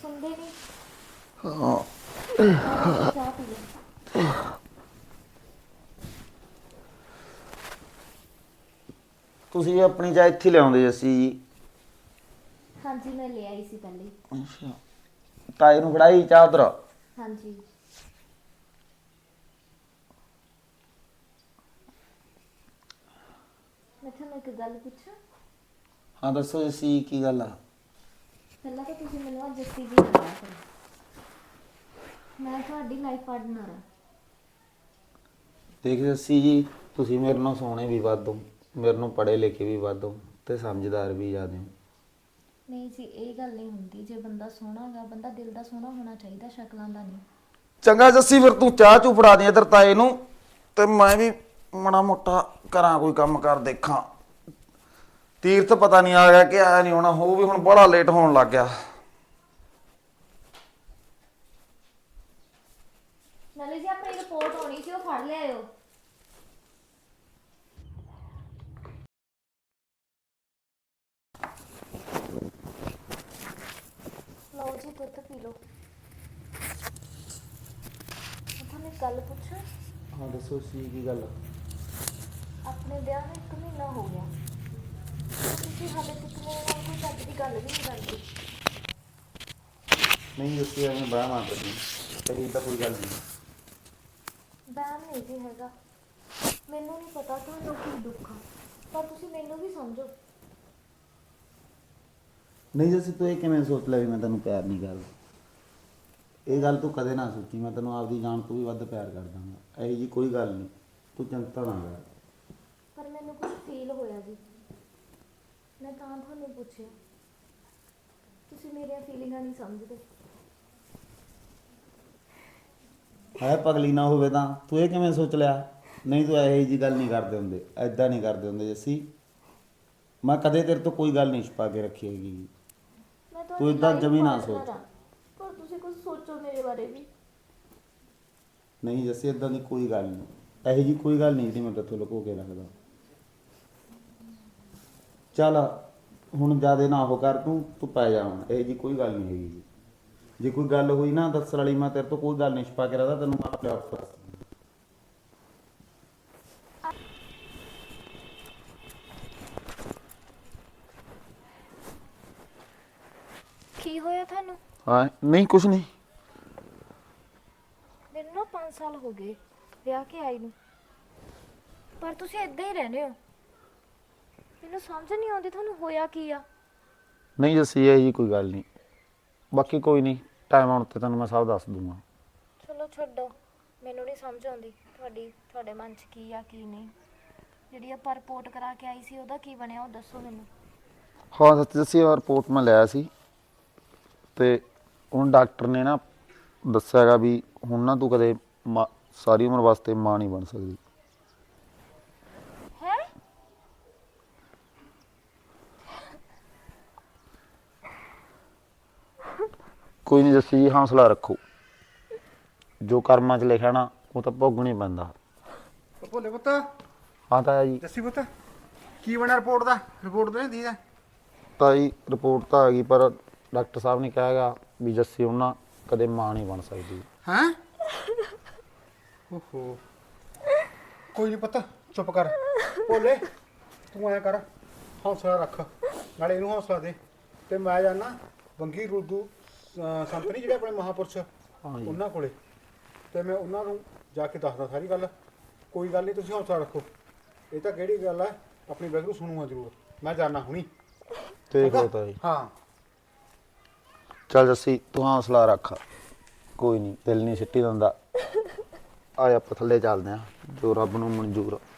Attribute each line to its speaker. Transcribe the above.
Speaker 1: ਸੁਣਦੇ ਨਹੀਂ।
Speaker 2: ਹਾਂ
Speaker 1: ਚਾਹ ਪੀ ਲੈ।
Speaker 2: ਤੁਸੀਂ ਆਪਣੀ ਚਾਹ ਇੱਥੇ ਲਿਆਉਂਦੇ ਅਸੀਂ ਜੀ।
Speaker 1: ਹਾਂਜੀ ਮੈਂ ਲੈ ਆਈ ਸੀ ਪਹਿਲੇ ਹੀ।
Speaker 2: ਅੱਛਾ ਤਾਏ ਨੂੰ ਫੜਾਈ ਚਾਹ ਉਧਰ।
Speaker 1: ਹਾਂਜੀ ਮੈਂ ਤੁਹਾਨੂੰ ਇੱਕ ਗੱਲ ਪੁੱਛਾਂ।
Speaker 2: ਹਾਂ ਦੱਸੋ ਜੱਸੀ ਕੀ ਗੱਲ ਆ।
Speaker 1: ਪਹਿਲਾਂ ਤਾਂ ਤੁਸੀਂ ਮੈਨੂੰ ਅੱਜ ਜੱਸੀ ਜੀ ਨਾ ਕਿਹਾ ਕਰੋ। ਮੈਂ ਤੁਹਾਡੀ ਲਾਈਫ ਪਾਰਟਨਰ ਹਾਂ।
Speaker 2: ਦੇਖ ਜੱਸੀ ਜੀ ਤੁਸੀਂ ਮੇਰੇ ਨਾਲ ਸੋਹਣੇ ਵੀ ਵੱਧ ਹੋ, ਮੇਰੇ ਨੂੰ ਪੜ੍ਹੇ ਲਿਖੇ ਵੀ ਵੱਧ ਹੋ ਤੇ ਸਮਝਦਾਰ ਵੀ ਜ਼ਿਆਦਾ ਹੋ।
Speaker 1: ਨਹੀਂ ਜੀ ਇਹ ਗੱਲ ਨਹੀਂ ਹੁੰਦੀ। ਜੇ ਬੰਦਾ ਸੋਹਣਾ ਗਾ ਬੰਦਾ ਦਿਲ ਦਾ ਸੋਹਣਾ ਹੋਣਾ ਚਾਹੀਦਾ, ਸ਼ਕਲਾਂ ਦਾ ਨਹੀਂ।
Speaker 2: ਚੰਗਾ ਜੱਸੀ ਫਿਰ ਤੂੰ ਚਾਹ ਚੂ ਫੜਾ ਦੇ ਇੱਧਰ ਤਾਏ ਨੂੰ ਤੇ ਮੈਂ ਵੀ ਮਾੜਾ ਮੋਟਾ ਕਰਾਂ ਕੋਈ ਕੰਮ ਕਰ ਦੇਖਾਂ। ਤੀਰਥ ਪਤਾ ਨਹੀਂ ਆ ਗਿਆ ਕਿ ਆਇਆ ਨਹੀਂ ਹੋਣਾ, ਉਹ ਵੀ ਹੁਣ ਬੜਾ ਲੇਟ ਹੋਣ ਲੱਗ ਗਿਆ।
Speaker 1: ਨਾਲੇ ਜੀ ਆਪਣੀ ਰਿਪੋਰਟ ਆਉਣੀ ਸੀ, ਉਹ ਫੜ ਲਿਆਇਓ। ਲਓ ਜੀ ਦੁੱਧ ਪੀ ਲਓ। ਮੈਂ ਤੁਹਾਨੂੰ ਇੱਕ ਗੱਲ ਪੁੱਛਾਂ।
Speaker 2: ਹਾਂ ਦੱਸੋ ਸੀ ਕੀ ਗੱਲ।
Speaker 1: ਆਪਣੇ ਵਿਆਹ ਨੂੰ 1 ਮਹੀਨਾ ਹੋ ਗਿਆ, ਤੁਸੀਂ ਹਾਲੇ ਤੱਕ ਮੇਰੇ ਨਾਲ ਕੋਈ ਚੱਜ ਦੀ ਗੱਲ ਵੀ ਨਹੀਂ ਕਰਦੇ।
Speaker 2: ਨਹੀਂ ਜੱਸੀ ਐਵੇਂ ਬਾਹ ਮਾਰ ਰਹੀ ਕਹੀ ਤਾਂ ਕੋਈ ਗੱਲ ਨਹੀਂ।
Speaker 1: ਵਹਿਮ ਨਹੀਂ ਜੀ ਹੈਗਾ। ਮੈਨੂੰ ਨਹੀਂ ਪਤਾ ਤੁਹਾਨੂੰ ਕੀ ਦੁੱਖ ਆ, ਪਰ ਤੁਸੀਂ ਮੈਨੂੰ ਵੀ ਸਮਝੋ।
Speaker 2: ਨਹੀਂ ਜੱਸੀ ਤੂੰ ਇਹ ਕਿਵੇਂ ਸੋਚ ਲਿਆ ਵੀ ਮੈਂ ਤੈਨੂੰ ਪਿਆਰ ਨਹੀਂ ਕਰਦਾ। ਇਹ ਗੱਲ ਤੂੰ ਕਦੇ ਨਾ ਸੋਚੀ, ਮੈਂ ਤੈਨੂੰ ਆਪਦੀ ਜਾਨ ਤੋਂ ਵੀ ਵੱਧ ਪਿਆਰ ਕਰਦਾਂਗਾ। ਇਹੋ ਜੀ ਕੋਈ ਗੱਲ ਨਹੀਂ, ਤੂੰ ਚਿੰਤਾ ਨਾ ਕਰ।
Speaker 1: ਪਰ ਮੈਨੂੰ ਕੁਝ ਫੀਲ ਹੋਇਆ ਜੀ, ਮੈਂ ਤਾਂ ਤੁਹਾਨੂੰ ਪੁੱਛਿਆ। ਤੁਸੀਂ ਮੇਰੀਆਂ ਫੀਲਿੰਗਾਂ ਨਹੀਂ ਸਮਝਦੇ।
Speaker 2: ਹੈ ਪਗਲੀ ਨਾ ਹੋਵੇ ਤਾਂ ਤੂੰ ਇਹ ਕਿਵੇਂ ਸੋਚ ਲਿਆ। ਨਹੀਂ ਤੂੰ ਇਹੋ ਜੀ ਗੱਲ ਨਹੀਂ ਕਰਦੇ ਹੁੰਦੇ, ਐਦਾਂ ਨਹੀਂ ਕਰਦੇ ਹੁੰਦੇ ਜੱਸੀ। ਮੈਂ ਕਦੇ ਤੇਰੇ ਤੋਂ ਕੋਈ ਗੱਲ ਨਹੀਂ ਛੁਪਾ ਕੇ ਰੱਖੀ ਹੈਗੀ।
Speaker 1: ਮੈਂ
Speaker 2: ਤੂੰ
Speaker 1: ਤੁਹਾਡੀ
Speaker 2: ਏਦਾਂ
Speaker 1: life
Speaker 2: ਜਮੀ ਨਾ
Speaker 1: partner
Speaker 2: ਸੋਚ।
Speaker 1: ਆ, ਪਰ ਤੁਸੀਂ ਕੁਝ ਸੋਚੋ ਮੇਰੇ ਬਾਰੇ ਵੀ।
Speaker 2: ਨਹੀਂ ਜੱਸੀ ਇੱਦਾਂ ਦੀ ਕੋਈ ਗੱਲ ਨਹੀਂ, ਇਹੋ ਜੀ ਕੋਈ ਗੱਲ ਨਹੀਂ ਜਿਹੜੀ ਮੈਂ ਤੇਥੋਂ ਲੁਕੋ ਕੇ ਰੱਖਦਾ। ਚੱਲ ਹੁਣ ਜ਼ਿਆਦਾ ਨਾ ਉਹ ਕਰ, ਤੂੰ ਪੈ ਜਾ ਹੁਣ। ਇਹੋ ਜੀ ਕੋਈ ਗੱਲ ਨਹੀਂ ਹੈਗੀ। ਜੇ ਕੋਈ ਗੱਲ ਹੋਈ ਨਾ ਦੱਸਣ ਵਾਲੀ, ਮੈਂ ਤੇਰੇ ਤੋਂ ਕੋਈ ਗੱਲ ਨਹੀਂ ਛੁਪਾ ਕੇ ਰੱਖਦਾ, ਤੈਨੂੰ ਮੈਂ ਆਪੇ ਆਪ ਦੱਸ।
Speaker 1: ਕੀ ਹੋਇਆ ਤੁਹਾਨੂੰ?
Speaker 2: ਹਾਂ ਨਹੀਂ ਕੁਛ ਨਹੀਂ।
Speaker 1: ਮੈਨੂੰ ਨਾ 5 ਸਾਲ ਹੋ ਗਏ ਵਿਆਹ ਕੇ ਆਈ ਨੂੰ, ਪਰ ਤੁਸੀਂ ਇਦਾਂ ਹੀ ਰਹਿੰਦੇ ਹੋ। ਮੈਨੂੰ ਸਮਝ ਨਹੀਂ ਆਉਂਦੀ ਤੁਹਾਨੂੰ ਹੋਇਆ ਕੀ ਆ।
Speaker 2: ਨਹੀਂ ਜੱਸੀ ਇਹੋ ਜੀ ਕੋਈ ਗੱਲ ਨਹੀਂ। ਬਾਕੀ ਕੋਈ ਨਹੀਂ, ਟਾਈਮ ਆਉਣ 'ਤੇ ਤੈਨੂੰ ਮੈਂ ਸਭ ਦੱਸ ਦੂੰਗਾ।
Speaker 1: ਚਲੋ ਛੱਡੋ, ਮੈਨੂੰ ਨਹੀਂ ਸਮਝ ਆਉਂਦੀ ਤੁਹਾਡੇ ਮਨ 'ਚ ਕੀ ਆ ਕੀ ਨਹੀਂ। ਜਿਹੜੀ ਆਪਾਂ ਰਿਪੋਰਟ ਕਰਾ ਕੇ ਆਈ ਸੀ ਉਹਦਾ ਕੀ ਬਣਿਆ, ਉਹ ਦੱਸੋ ਮੈਨੂੰ।
Speaker 2: ਹਾਂ ਸੱਚ ਜੱਸੀ ਰਿਪੋਰਟ ਮੈਂ ਲਿਆ ਸੀ ਤੇ ਹੁਣ ਡਾਕਟਰ ਨੇ ਨਾ ਦੱਸਿਆ ਹੈਗਾ ਵੀ ਹੁਣ ਨਾ ਤੂੰ ਕਦੇ ਸਾਰੀ ਉਮਰ ਵਾਸਤੇ ਮਾਂ ਨਹੀਂ ਬਣ ਸਕਦੀ।
Speaker 1: ਹੈ?
Speaker 2: ਕੋਈ ਨਹੀਂ ਜੱਸੀ ਜੀ, ਹੌਸਲਾ ਰੱਖੋ। ਜੋ ਕਰਮਾਂ 'ਚ ਲਿਖਿਆ ਨਾ ਉਹ ਤਾਂ ਭੋਗਣਾ ਹੀ ਪੈਂਦਾ।
Speaker 3: ਭੋਲੇ ਪੁੱਤ,
Speaker 2: ਹਾਂ ਤਾਇਆ ਜੀ।
Speaker 3: ਜੱਸੀ ਪੁੱਤ, ਕੀ ਬਣਿਆ ਰਿਪੋਰਟ ਦਾ? ਰਿਪੋਰਟ ਤਾਂ ਨਹੀਂ ਦੀ
Speaker 2: ਤਾਂ ਜੀ ਰਿਪੋਰਟ ਤਾਂ ਆ ਗਈ, ਪਰ ਡਾਕਟਰ ਸਾਹਿਬ ਨੇ ਕਿਹਾ ਹੈਗਾ ਵੀ ਜੱਸੀ ਹੁਣ ਨਾ ਕਦੇ ਮਾਂ ਨਹੀਂ ਬਣ ਸਕਦੀ।
Speaker 3: ਹੈਂ? ਓਹੋ, ਕੋਈ ਨਹੀਂ ਪੁੱਤ, ਚੁੱਪ ਕਰ। ਭੋਲੇ ਤੂੰ ਐਂ ਕਰ, ਹੌਸਲਾ ਰੱਖ, ਨਾਲੇ ਇਹਨੂੰ ਹੌਸਲਾ ਦੇ। ਤੇ ਮੈਂ ਜਾਣਾ ਬੰਗੀ ਰੁੱਦੂ ਸੰਤ ਨਹੀਂ ਜਿਹੜੇ ਆਪਣੇ ਮਹਾਂਪੁਰਸ਼,
Speaker 2: ਹਾਂ ਜੀ।
Speaker 3: ਉਹਨਾਂ ਕੋਲੇ, ਤੇ ਮੈਂ ਉਹਨਾਂ ਨੂੰ ਜਾ ਕੇ ਦੱਸਦਾ ਸਾਰੀ ਗੱਲ। ਕੋਈ ਗੱਲ ਨਹੀਂ, ਤੁਸੀਂ ਹੌਸਲਾ ਰੱਖੋ। ਇਹ ਤਾਂ ਕਿਹੜੀ ਗੱਲ ਹੈ, ਆਪਣੀ ਵਾਹਿਗੁਰੂ ਸੁਣੂਗਾ ਜ਼ਰੂਰ। ਮੈਂ ਜਾਣਾ ਹੁਣੀ।
Speaker 2: ਦੇਖ ਲਓ ਤਾਇਆ ਜੀ।
Speaker 3: ਹਾਂ
Speaker 2: ਚੱਲ ਜੱਸੀ ਤੂੰ ਹੌਸਲਾ ਰੱਖ, ਕੋਈ ਨਹੀਂ, ਦਿਲ ਨਹੀਂ ਸਿੱਟੀ ਦਿੰਦਾ। ਆ ਆਪਾਂ ਥੱਲੇ ਚੱਲਦੇ ਹਾਂ, ਜੋ ਰੱਬ ਨੂੰ ਮਨਜ਼ੂਰ ਆ।